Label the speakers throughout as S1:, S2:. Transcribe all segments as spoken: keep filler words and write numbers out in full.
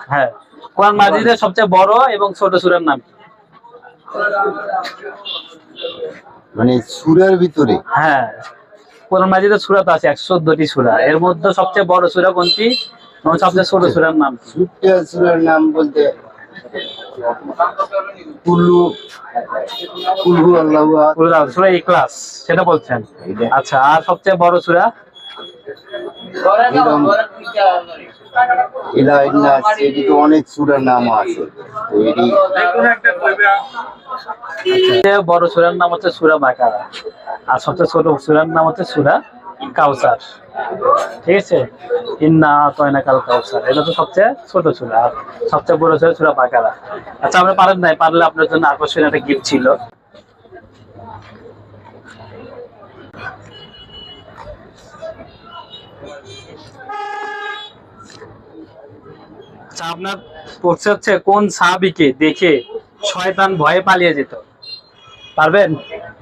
S1: হ্যাঁ, কোরআন মাজিদের সবচেয়ে বড় এবং ছোট সূরার নাম কি?
S2: মানে সূরার ভিতরে?
S1: হ্যাঁ, কোরআন মাজিদের সূরা তো আছে একশো চোদ্দটি সূরা, এর মধ্যে সবচেয়ে বড় সূরা কোনটি এবং সবচেয়ে ছোট সূরার নাম কি?
S2: ছোট্ট সূরার নাম বলতে কুল্লু কুলহু আল্লাহু আহাদ,
S1: সূরা ইখলাস সেটা বলছেন। আচ্ছা, আর সবচেয়ে বড় সূরা?
S2: এরকম ইলা ইন্না সেটি তো অনেক সূরার নাম আছে, তো এটি
S1: সবচেয়ে বড় সূরার নাম হচ্ছে সূরা বাকারা, আর সবচেয়ে ছোট সূরার নাম হচ্ছে সূরা কাউসার। ঠিক আছে, ইন্না আতাইনাকাল কাউসার, এটা তো সবচেয়ে ছোট সূরা, আর সবচেয়ে বড় সূরা সূরা বাকারা। আচ্ছা, আপনি পারেন নাই, পারলে আপনার জন্য আকর্ষণীয় একটা গিফট ছিল। আচ্ছা, আপনার পড়ছে হচ্ছে কোন সাহাবীকে দেখে শয়তান ভয়ে পালিয়ে যেত? পারবেন?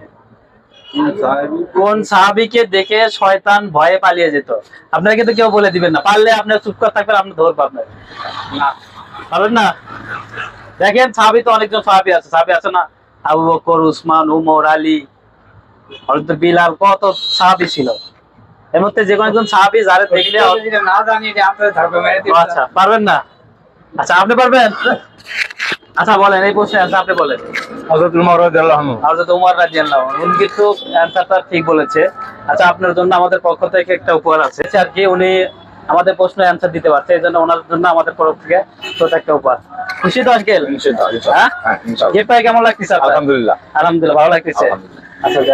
S1: কোন সাহাবীকে দেখে শয়তান ভয়ে পালিয়ে যেত? আপনারা কিন্তু কেউ বলে দিবেন না, পারলে আপনার চুপ করে থাকবেন, আপনি ধরবো আপনার না, পারবেন না? দেখেন, সাহাবী তো অনেকজন সাহাবী আছে, সাহাবী আছে না, আবু বকর, উসমান, উমর, আলী, হযরত বিলাল, কত সাহাবী ছিল। এর মধ্যে যে কোনো একজন সাহাবী যারে দেখলে
S3: না জানি যে আপনার ধরবে মেরে দিবেন।
S1: আচ্ছা, পারবেন না? আচ্ছা, আপনি পারবেন? আচ্ছা বলেন, এই প্রশ্নের অ্যানসার আপনি বলেন।
S3: হযরত উমর রাদিয়াল্লাহু আনহু।
S1: হযরত উমর রাদিয়াল্লাহু আনহু, উনি কিন্তু অ্যানসারটা ঠিক বলেছে। আচ্ছা, আপনার জন্য আমাদের পক্ষ থেকে একটা উপহার আছে, আর কি উনি আমাদের প্রশ্নের অ্যানসার দিতে পারছে, এই জন্য ওনার জন্য আমাদের তরফ থেকে ছোট একটা উপহার। খুশি তো আজকে?
S3: ইনশাআল্লাহ।
S1: হ্যাঁ,
S3: হ্যাঁ, ইনশাআল্লাহ।
S1: গিফট পাই কেমন লাগতেছে আপনার?
S3: আলহামদুলিল্লাহ।
S1: আলহামদুলিল্লাহ, ভালো লাগতেছে। আচ্ছা।